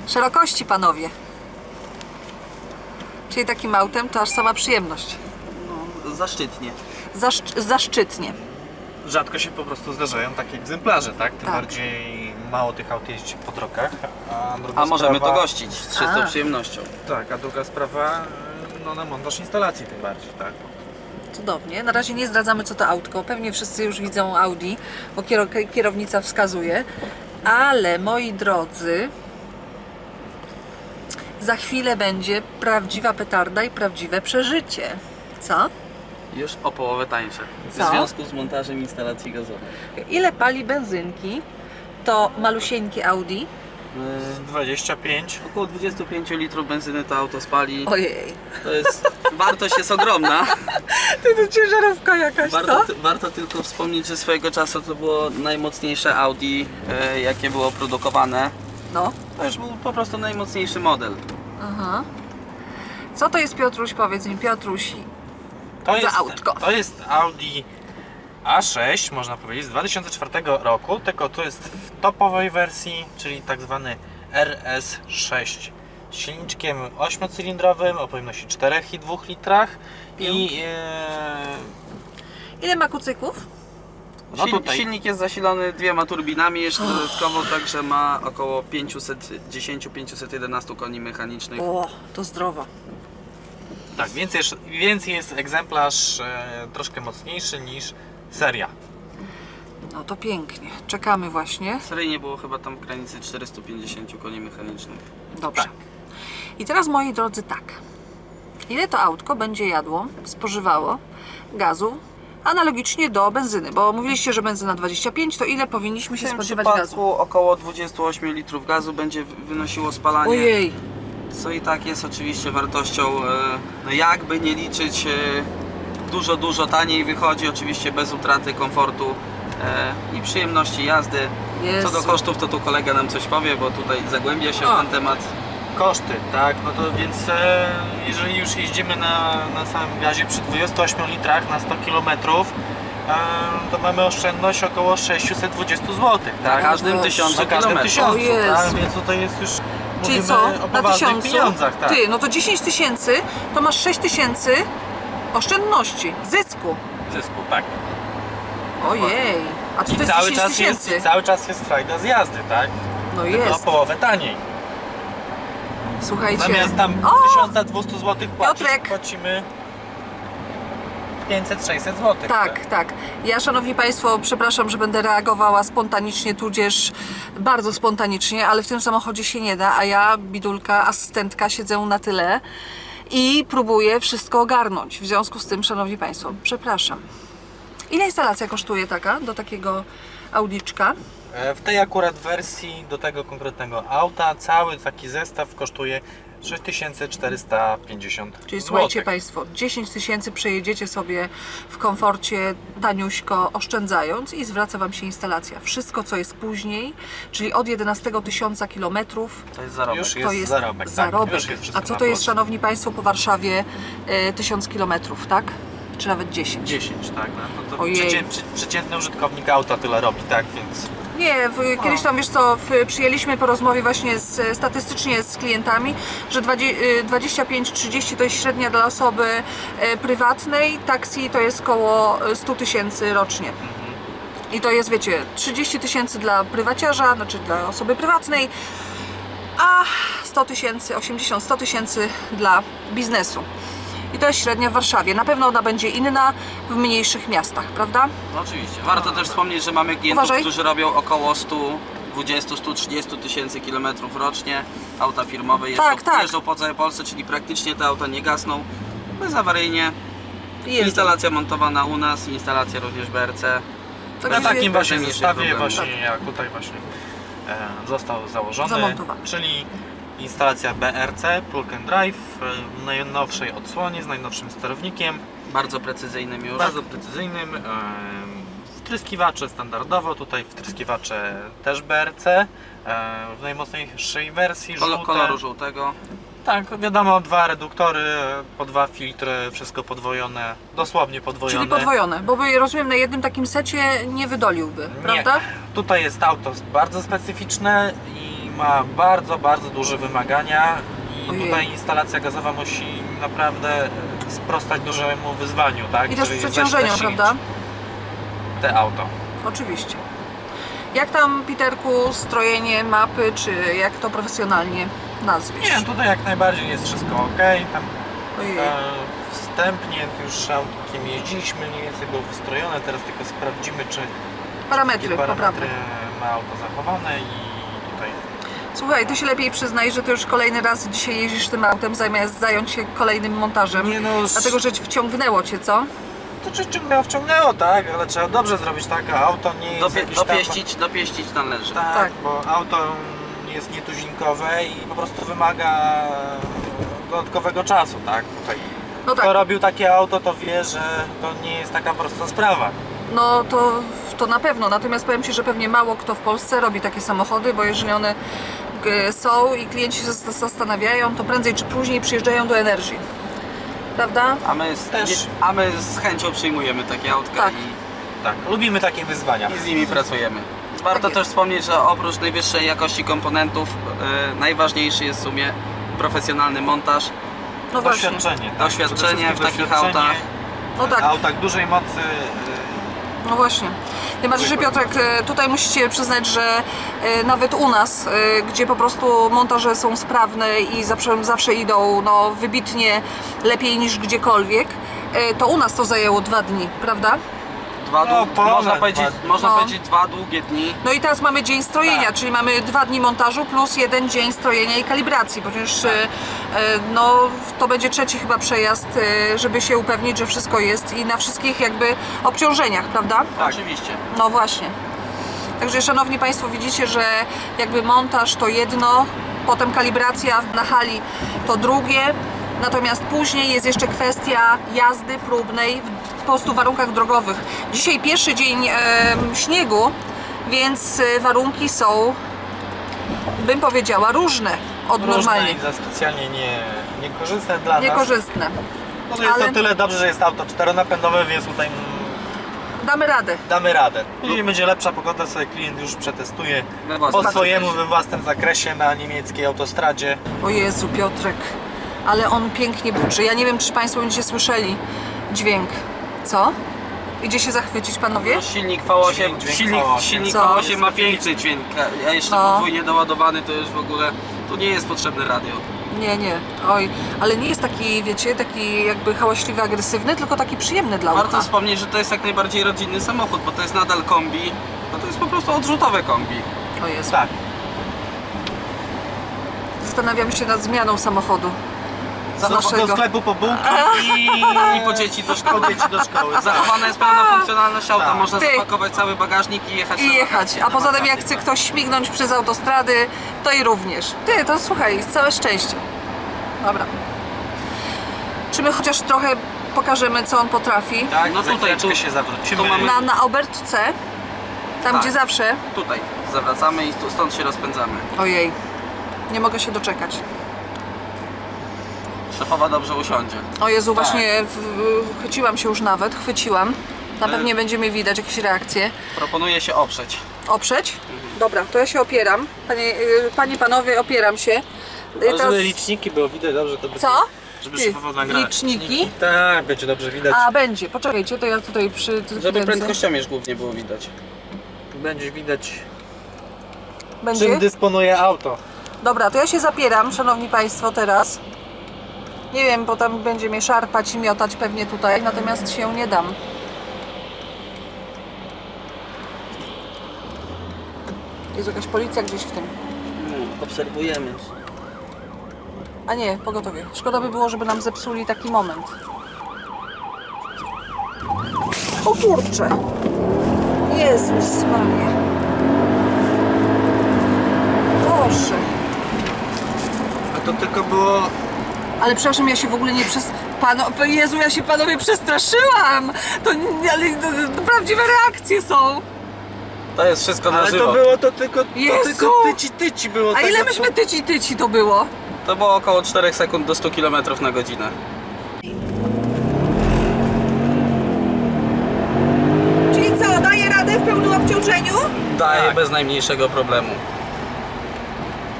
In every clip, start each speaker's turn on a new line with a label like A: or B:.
A: Szerokości, panowie. Czyli takim autem to aż sama przyjemność.
B: No, zaszczytnie.
A: Zaszczytnie.
C: Rzadko się po prostu zdarzają takie egzemplarze, tak? Tym
A: Tak.
C: bardziej mało tych aut jeździ po drogach.
B: A możemy
C: sprawa,
B: to gościć z czystą przyjemnością.
C: Tak, a druga sprawa, no na montaż instalacji tym bardziej, tak?
A: Cudownie. Na razie nie zdradzamy, co to autko. Pewnie wszyscy już widzą Audi, bo kierownica wskazuje. Ale moi drodzy, za chwilę będzie prawdziwa petarda i prawdziwe przeżycie. Co?
B: Już o połowę tańsze. W
A: Co?
B: związku z montażem instalacji gazowej.
A: Ile pali benzynki to malusieńkie Audi?
C: Z 25.
B: Około 25 litrów benzyny to auto spali.
A: Ojej.
B: To jest, wartość jest ogromna.
A: To ciężarówka jakaś,
B: Warto tylko wspomnieć, że swojego czasu to było najmocniejsze Audi, jakie było produkowane.
A: No.
B: To już był po prostu najmocniejszy model.
A: Aha. Co to jest, Piotruś? Powiedz mi, Piotruś. Autko.
C: To jest Audi A6, można powiedzieć, z 2004 roku, tylko to jest w topowej wersji, czyli tak zwany RS6. Z silniczkiem 8-cylindrowym o pojemności 4,2 litrach i
A: Ile ma kucyków?
C: no tutaj
B: Silnik jest zasilony dwiema turbinami jeszcze dodatkowo, także ma około 510-511 koni mechanicznych.
A: O, to zdrowo.
C: tak, więc jest egzemplarz troszkę mocniejszy niż seria.
A: No to pięknie. Czekamy właśnie.
B: Seryjnie było chyba tam w granicy 450 koni mechanicznych.
A: Dobrze.
C: Tak.
A: I teraz, moi drodzy, tak. Ile to autko będzie jadło, spożywało gazu analogicznie do benzyny? Bo mówiliście, że benzyna 25, to ile powinniśmy
B: W
A: się
B: tym
A: spodziewać
B: przypadku
A: gazu?
B: około 28 litrów gazu będzie wynosiło spalanie.
A: Ojej.
B: Co i tak jest oczywiście wartością, no jakby nie liczyć, dużo taniej wychodzi, oczywiście bez utraty komfortu i przyjemności jazdy.
A: Jezu.
B: Co do kosztów, to tu kolega nam coś powie, bo tutaj zagłębia się
A: O.
B: w ten temat.
C: Koszty, tak, no to więc jeżeli już jeździmy na samym gazie przy 28 litrach na 100 km, to mamy oszczędność około 620 zł,
B: Na
C: tak?
B: każdym
A: Boże.
B: 1000
C: Na każdym
B: km.
C: 1000,
A: O Jezu.
C: tak? Więc tutaj jest już,
A: Czyli
C: mówimy
A: co?
C: o
A: Na
C: poważnych
A: 1000?
C: pieniądzach, tak?
A: Ty, no to 10 tysięcy, to masz 6 tysięcy oszczędności, zysku.
C: Zysku, tak.
A: Ojej. A co to jest 10 tysięcy?
C: Cały czas jest frajda z jazdy, tak?
A: No
C: Tylko o
A: jest.
C: połowę taniej.
A: Słuchajcie.
C: Zamiast tam
A: O!
C: 1200 zł płacić,
A: Piotrek.
C: płacimy 500-600 zł.
A: Tak, tak. Ja, szanowni państwo, przepraszam, że będę reagowała spontanicznie, tudzież bardzo spontanicznie, ale w tym samochodzie się nie da, a ja, bidulka, asystentka, siedzę na tyle i próbuję wszystko ogarnąć. W związku z tym, szanowni państwo, przepraszam. Ile instalacja kosztuje taka, do takiego Audiczka?
C: W tej akurat wersji do tego konkretnego auta cały taki zestaw kosztuje 6450
A: Czyli
C: zł.
A: słuchajcie państwo, 10 tysięcy przejedziecie sobie w komforcie, taniuśko, oszczędzając i zwraca wam się instalacja. Wszystko, co jest później, czyli od 11 tysiąca kilometrów,
B: To jest zarobek.
C: Już
A: to
C: jest
A: jest
C: zarobek,
A: zarobek.
C: Tak, już jest wszystko
A: A co
C: na
A: to jest,
C: plus.
A: szanowni państwo, po Warszawie 1000 kilometrów, tak? Czy nawet 10?
C: 10, tak? No to
A: Ojej.
C: przeciętny użytkownik auta tyle robi, tak? Więc
A: Nie, kiedyś tam, wiesz co, przyjęliśmy po rozmowie właśnie statystycznie z klientami, że 25-30 to jest średnia dla osoby prywatnej, taksi to jest koło 100 tysięcy rocznie. I to jest, wiecie, 30 tysięcy dla prywaciarza, znaczy dla osoby prywatnej, a 100 tysięcy, 80-100 tysięcy dla biznesu. I to jest średnia w Warszawie. Na pewno ona będzie inna w mniejszych miastach, prawda?
B: No oczywiście. Warto też wspomnieć, że mamy klientów,
A: Uważaj.
B: którzy robią około 120-130 tysięcy kilometrów rocznie. Auta firmowe jeżdżą po całej Polsce, czyli praktycznie te auta nie gasną. Bezawaryjnie. Instalacja montowana u nas, instalacja również BRC.
A: Także
C: na takim właśnie
B: mniejszych
C: zestawie
B: problemów.
C: właśnie jak tutaj właśnie został założony,
A: Zamontowany.
C: czyli instalacja BRC, Plug and Drive, w najnowszej odsłonie, z najnowszym sterownikiem,
B: Bardzo precyzyjnym już.
C: bardzo precyzyjnym, wtryskiwacze standardowo, tutaj wtryskiwacze też BRC, w najmocniejszej wersji, żółte.
B: Koloru żółtego.
C: Tak, wiadomo, dwa reduktory, po dwa filtry, wszystko podwojone, dosłownie podwojone.
A: Czyli podwojone, bo by, rozumiem, na jednym takim secie nie wydoliłby, prawda?
C: Nie. Tutaj jest auto bardzo specyficzne i ma bardzo, bardzo duże wymagania i
A: Ojej.
C: tutaj instalacja gazowa musi naprawdę sprostać dużemu wyzwaniu, tak?
A: I też
C: Czyli
A: przeciążeniu,
C: zasilić
A: prawda?
C: te auto.
A: Oczywiście. Jak tam, Piterku, strojenie mapy, czy jak to profesjonalnie nazwiesz?
C: Nie, tutaj jak najbardziej jest wszystko ok. Tam
A: Ojej.
C: wstępnie już autkiem jeździliśmy, mniej więcej było wystrojone, teraz tylko sprawdzimy, czy
A: Parametry
C: jakie
A: poprawne.
C: parametry ma auto zachowane i tutaj.
A: Słuchaj, ty się lepiej przyznaj, że ty już kolejny raz dzisiaj jeździsz tym autem, zamiast zająć się kolejnym montażem.
C: Nie no,
A: Dlatego, że wciągnęło cię, co?
C: to czy wciągnęło, tak, ale trzeba dobrze zrobić tak, a auto nie jest jakieś tam...
B: Dopieścić należy.
C: Tak,
A: Tak.
C: bo auto jest nietuzinkowe i po prostu wymaga dodatkowego czasu, tak? Tutaj.
A: No
C: Kto
A: tak,
C: robił takie auto, to wie, że to nie jest taka prosta sprawa.
A: no to na pewno. Natomiast powiem ci, że pewnie mało kto w Polsce robi takie samochody, bo jeżeli one są i klienci się zastanawiają, to prędzej czy później przyjeżdżają do Energii. Prawda?
B: A my z chęcią przyjmujemy takie autka
A: Tak.
C: Tak, lubimy takie wyzwania.
B: i z nimi pracujemy. Warto
A: Tak
B: też
A: jest.
B: wspomnieć, że oprócz najwyższej jakości komponentów najważniejszy jest w sumie profesjonalny montaż,
A: No właśnie.
C: Doświadczenie. Tak?
B: Doświadczenie
C: Przede
B: w
C: wszystkim
B: takich
C: doświadczenie,
B: autach.
A: No tak.
C: Autach dużej mocy.
A: No właśnie. Tym bardziej, że Piotrek, tutaj musicie przyznać, że nawet u nas, gdzie po prostu montaże są sprawne i zawsze idą no, wybitnie lepiej niż gdziekolwiek, to u nas to zajęło 2 dni, prawda?
B: Można
A: No.
B: powiedzieć 2 długie dni.
A: No i teraz mamy dzień strojenia,
C: Tak.
A: czyli mamy 2 dni montażu plus 1 dzień strojenia i kalibracji, ponieważ no, to będzie 3. chyba przejazd, żeby się upewnić, że wszystko jest i na wszystkich jakby obciążeniach, prawda?
C: Tak.
B: Oczywiście.
A: No właśnie. Także szanowni Państwo, widzicie, że jakby montaż to jedno, potem kalibracja na hali to drugie, natomiast później jest jeszcze kwestia jazdy próbnej w po prostu warunkach drogowych. Dzisiaj pierwszy dzień śniegu, więc warunki są, bym powiedziała, różne od normalnych.
C: I za specjalnie niekorzystne dla nas.
A: Niekorzystne.
C: No to jest
A: ale-
C: to tyle dobrze, że jest auto czteronapędowe, więc tutaj
A: Damy radę.
C: damy radę. Jeżeli będzie lepsza pogoda, sobie klient już przetestuje
B: We własnym
C: po swojemu,
B: zakresie.
C: we własnym zakresie na niemieckiej autostradzie.
A: O Jezu, Piotrek, ale on pięknie buczy. Ja nie wiem, czy Państwo będziecie słyszeli dźwięk. Co? Idzie się zachwycić, panowie?
B: No, silnik V8,
C: Dźwięk V8.
B: silnik
A: Co?
B: V8 ma piękny dźwięk, a jeszcze
A: No.
B: podwójnie doładowany to już w ogóle, tu nie jest potrzebne radio.
A: Nie, nie. Oj, ale nie jest taki, wiecie, taki jakby hałaśliwy, agresywny, tylko taki przyjemny dla
B: Warto
A: ucha.
B: wspomnieć, że to jest jak najbardziej rodzinny samochód, bo to jest nadal kombi, no to jest po prostu odrzutowe kombi.
A: O Jezu.
C: Tak.
A: Zastanawiam się nad zmianą samochodu. Z
C: Do
A: naszego.
C: sklepu po bułki
B: I po dzieci do szkoły.
C: po dzieci do szkoły.
B: Zachowana jest pełna funkcjonalność auta,
C: Tak.
B: można
A: Ty.
B: zapakować cały bagażnik i jechać.
A: I
B: na
A: jechać.
B: wakacje.
A: A poza tym jak
B: wakacje,
A: chce
B: tak.
A: ktoś śmignąć przez autostrady, to i również. Ty, to słuchaj, całe szczęście. Dobra. Czy my chociaż trochę pokażemy, co on potrafi?
C: Tak,
B: No
C: za
B: tutaj,
C: chwileczkę
B: tu-
C: się zawrócimy.
B: tu mamy-
A: Na Obertce, tam
B: Tak.
A: gdzie zawsze.
B: Tutaj zawracamy i tu stąd się rozpędzamy.
A: Ojej, nie mogę się doczekać.
B: Szefowa dobrze usiądzie.
A: O Jezu,
B: Tak.
A: właśnie chwyciłam się już nawet, chwyciłam. Na pewnie będziemy widać jakieś reakcje.
B: Proponuję się oprzeć.
A: Oprzeć? Dobra, to ja się opieram. Panie, panowie, opieram się.
C: Ale żeby liczniki było widać dobrze, to by...
A: Co?
C: Żeby
A: Ty,
C: szefowo nagrać.
A: liczniki?
C: Tak, będzie dobrze widać.
A: A, będzie. Poczekajcie, to ja tutaj
B: Żeby
A: kręcę.
B: prędkościomierz głównie było widać.
C: Będzie widać,
A: Będzie?
C: czym dysponuje auto.
A: Dobra, to ja się zapieram, szanowni państwo, teraz. Nie wiem, bo tam będzie mnie szarpać i miotać pewnie tutaj, natomiast się nie dam. Jest jakaś policja gdzieś w tym.
B: Obserwujemy.
A: A nie, pogotowie. Szkoda by było, żeby nam zepsuli taki moment. O kurczę! Jezus Maria! Boże!
C: A to tylko było...
A: Ale przepraszam, ja się w ogóle nie Jezu, ja się panowie przestraszyłam! Ale to prawdziwe reakcje są!
B: To jest wszystko na
C: Ale
B: żywo.
C: to było to tylko
A: Jezu!
C: tyci było.
A: A
C: tego,
A: ile myśmy tyci to było?
B: To było około 4 sekund do 100 km na godzinę.
A: Czyli co, daje radę w pełnym obciążeniu?
B: Daje
C: Tak.
B: bez najmniejszego problemu.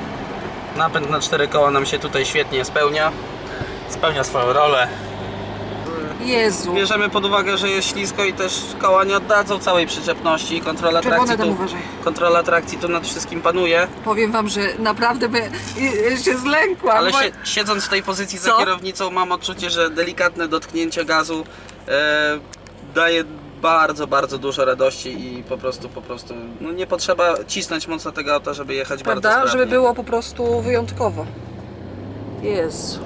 B: Napęd na 4 koła nam się tutaj świetnie spełnia.
C: Spełnia swoją rolę.
A: Jezu.
B: Bierzemy pod uwagę, że jest ślisko i też koła nie oddadzą całej przyczepności.
A: Czerwone tam uważaj.
B: Kontrola trakcji tu nad wszystkim panuje.
A: Powiem wam, że naprawdę się zlękłam.
B: Ale
A: bo...
B: siedząc w tej pozycji za
A: Co?
B: kierownicą mam odczucie, że delikatne dotknięcie gazu daje bardzo, bardzo dużo radości i po prostu no nie potrzeba cisnąć mocno tego auta, żeby jechać bardzo
A: Prawda?
B: sprawnie.
A: Żeby było po prostu wyjątkowo. Jezu.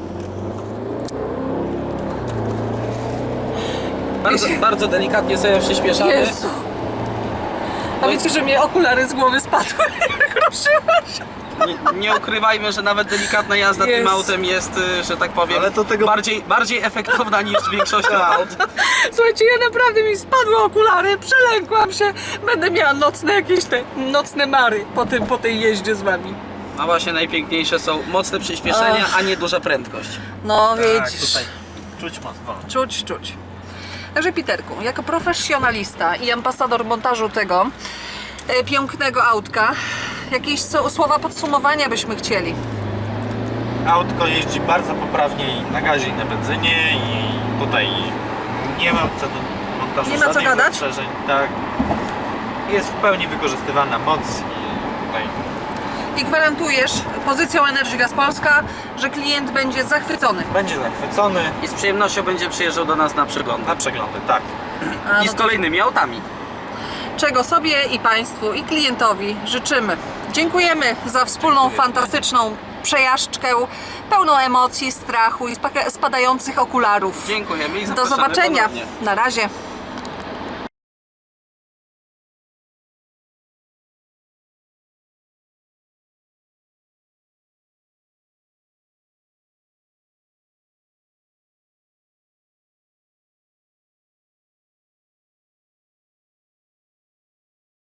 B: Bardzo delikatnie sobie przyspieszamy.
A: Jezu. A wiecie, że mnie okulary z głowy spadły? Ruszyła się.
B: Nie ukrywajmy, że nawet delikatna jazda tym
A: Jezu.
B: autem jest, że tak powiem,
C: Ale to tego-
B: bardziej efektowna niż większość aut.
A: Słuchajcie, ja naprawdę mi spadły okulary, przelękłam się. Będę miała nocne mary po tej jeździe z wami.
B: A właśnie najpiękniejsze są mocne przyspieszenia, a nie duża prędkość.
A: No
C: Tak,
A: widzisz.
C: tutaj czuć mocno.
A: Czuć. Także Piterku, jako profesjonalista i ambasador montażu tego pięknego autka, jakieś słowa podsumowania byśmy chcieli.
C: Autko jeździ bardzo poprawnie i na gazie i na benzynie i tutaj nie ma co do montażu
A: Nie ma co
C: żadnych
A: gadać?
C: zastrzeżeń. Tak. Jest w pełni wykorzystywana moc i tutaj
A: I gwarantujesz pozycją Energy Gas Polska, że klient będzie zachwycony.
C: będzie zachwycony
B: I z przyjemnością będzie przyjeżdżał do nas na przeglądy.
C: na przeglądy, tak.
A: A
B: I
A: no
B: z
A: to
B: kolejnymi autami.
A: czego sobie i Państwu i klientowi życzymy. Dziękujemy za wspólną, fantastyczną przejażdżkę, pełną emocji, strachu i spadających okularów.
B: Dziękujemy i
A: Do
B: zapraszamy
A: zobaczenia.
B: ponownie.
A: Na razie.